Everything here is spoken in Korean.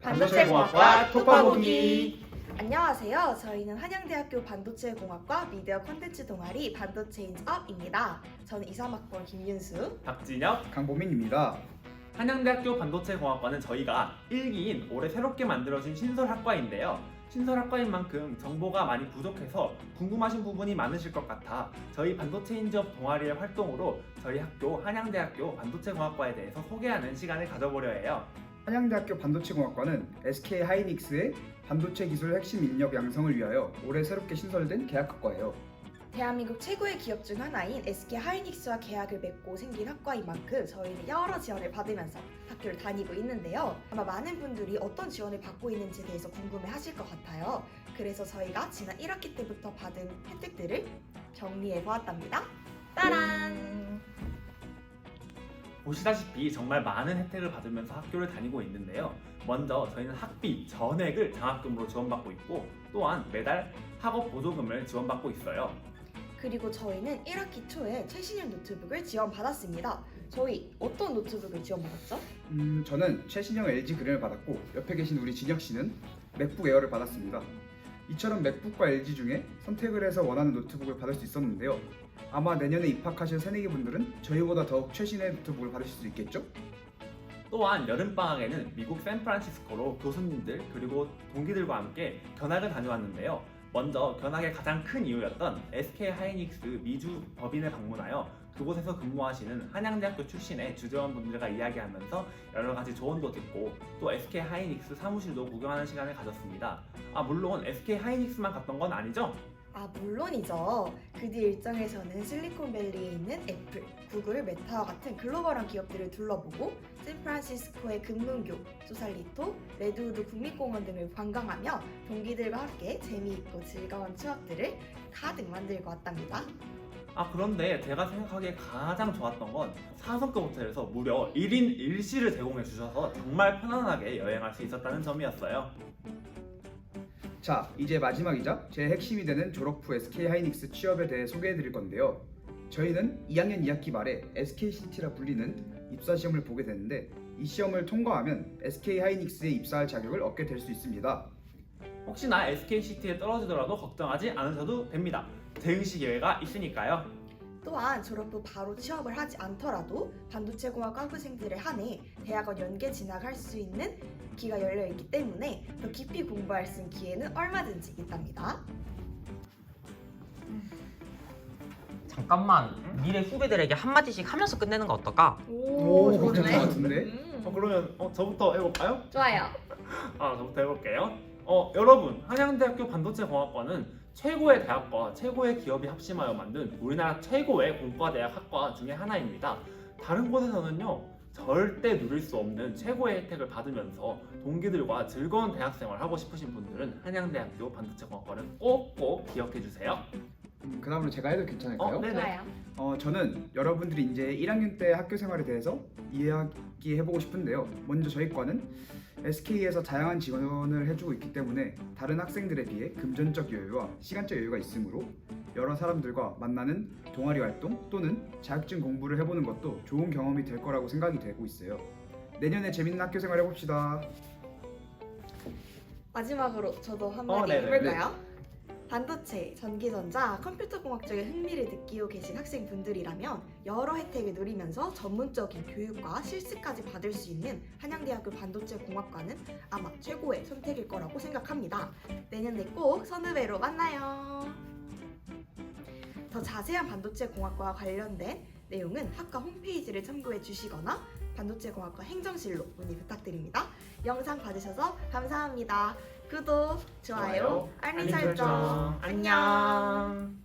반도체공학과 톡파보기. 안녕하세요. 저희는 한양대학교 반도체공학과 미디어 콘텐츠 동아리 반도체인즈업입니다. 저는 23학번 김윤수. 박진혁. 강보민입니다. 한양대학교 반도체공학과는 저희가 1기인 올해 새롭게 만들어진 신설학과인데요. 신설학과인 만큼 정보가 많이 부족해서 궁금하신 부분이 많으실 것 같아 저희 반도체인지업 동아리의 활동으로 저희 학교 한양대학교 반도체공학과에 대해서 소개하는 시간을 가져보려 해요. 한양대학교 반도체공학과는 SK하이닉스의 반도체 기술 핵심 인력 양성을 위하여 올해 새롭게 신설된 계약학과예요. 대한민국 최고의 기업 중 하나인 SK하이닉스와 계약을 맺고 생긴 학과인 만큼 저희는 여러 지원을 받으면서 학교를 다니고 있는데요. 아마 많은 분들이 어떤 지원을 받고 있는지에 대해서 궁금해하실 것 같아요. 그래서 저희가 지난 1학기 때부터 받은 혜택들을 정리해 보았답니다. 따란! 보시다시피 정말 많은 혜택을 받으면서 학교를 다니고 있는데요. 먼저 저희는 학비 전액을 장학금으로 지원받고 있고 또한 매달 학업 보조금을 지원받고 있어요. 그리고 저희는 1학기 초에 최신형 노트북을 지원받았습니다. 저희 어떤 노트북을 지원받았죠? 저는 최신형 LG 그램을 받았고 옆에 계신 우리 진혁 씨는 맥북 에어를 받았습니다. 이처럼 맥북과 LG 중에 선택을 해서 원하는 노트북을 받을 수 있었는데요. 아마 내년에 입학하실 새내기 분들은 저희보다 더욱 최신의 노트북을 받으실 수 있겠죠? 또한 여름방학에는 미국 샌프란시스코로 교수님들 그리고 동기들과 함께 견학을 다녀왔는데요. 먼저 견학의 가장 큰 이유였던 SK하이닉스 미주 법인을 방문하여 그곳에서 근무하시는 한양대학교 출신의 주재원분들과 이야기하면서 여러 가지 조언도 듣고 또 SK하이닉스 사무실도 구경하는 시간을 가졌습니다. 물론 SK하이닉스만 갔던 건 아니죠? 물론이죠. 그 뒤 일정에서는 실리콘밸리에 있는 애플, 구글, 메타와 같은 글로벌한 기업들을 둘러보고 샌프란시스코의 금문교, 소살리토, 레드우드 국립공원 등을 관광하며 동기들과 함께 재미있고 즐거운 추억들을 가득 만들고 왔답니다. 그런데 제가 생각하기에 가장 좋았던 건 4성급 호텔에서 무려 1인 1실을 제공해 주셔서 정말 편안하게 여행할 수 있었다는 점이었어요. 자, 이제 마지막이자 제 핵심이 되는 졸업 후 SK하이닉스 취업에 대해 소개해드릴 건데요. 저희는 2학년 2학기 말에 SKCT라 불리는 입사 시험을 보게 되는데 이 시험을 통과하면 SK하이닉스에 입사할 자격을 얻게 될 수 있습니다. 혹시나 SKCT에 떨어지더라도 걱정하지 않으셔도 됩니다. 재응시 기회가 있으니까요. 또한 졸업 후 바로 취업을 하지 않더라도 반도체공학 학부생들에 한해 대학원 연계 진학할 수 있는 기가 열려 있기 때문에 더 깊이 공부할 수 있는 기회는 얼마든지 있답니다. 잠깐만, 미래 후배들에게 한마디씩 하면서 끝내는 거 어떨까? 오, 괜찮은 것 같은데? 그러면 저부터 해볼까요? 좋아요. 저부터 해볼게요. 여러분, 한양대학교 반도체공학과는 최고의 대학과 최고의 기업이 합심하여 만든 우리나라 최고의 공과대학 학과 중에 하나입니다. 다른 곳에서는요, 절대 누릴 수 없는 최고의 혜택을 받으면서 동기들과 즐거운 대학생활 하고 싶으신 분들은 한양대학교 반도체공학과를 꼭꼭 기억해주세요. 그 다음으로 제가 해도 괜찮을까요? 네네. 좋아요. 저는 여러분들이 이제 1학년 때 학교 생활에 대해서 이야기해보고 싶은데요. 먼저 저희 과는 SK에서 다양한 지원을 해주고 있기 때문에 다른 학생들에 비해 금전적 여유와 시간적 여유가 있으므로 여러 사람들과 만나는 동아리 활동 또는 자격증 공부를 해보는 것도 좋은 경험이 될 거라고 생각이 되고 있어요. 내년에 재밌는 학교 생활 해봅시다. 마지막으로 저도 한마디 네네. 해볼까요? 반도체, 전기전자, 컴퓨터공학 쪽에 흥미를 느끼고 계신 학생분들이라면 여러 혜택을 누리면서 전문적인 교육과 실습까지 받을 수 있는 한양대학교 반도체공학과는 아마 최고의 선택일 거라고 생각합니다. 내년에 꼭 선후배로 만나요. 더 자세한 반도체공학과와 관련된 내용은 학과 홈페이지를 참고해 주시거나 반도체공학과 행정실로 문의 부탁드립니다. 영상 봐주셔서 감사합니다. 구독, 좋아요, 알림 설정. 안녕.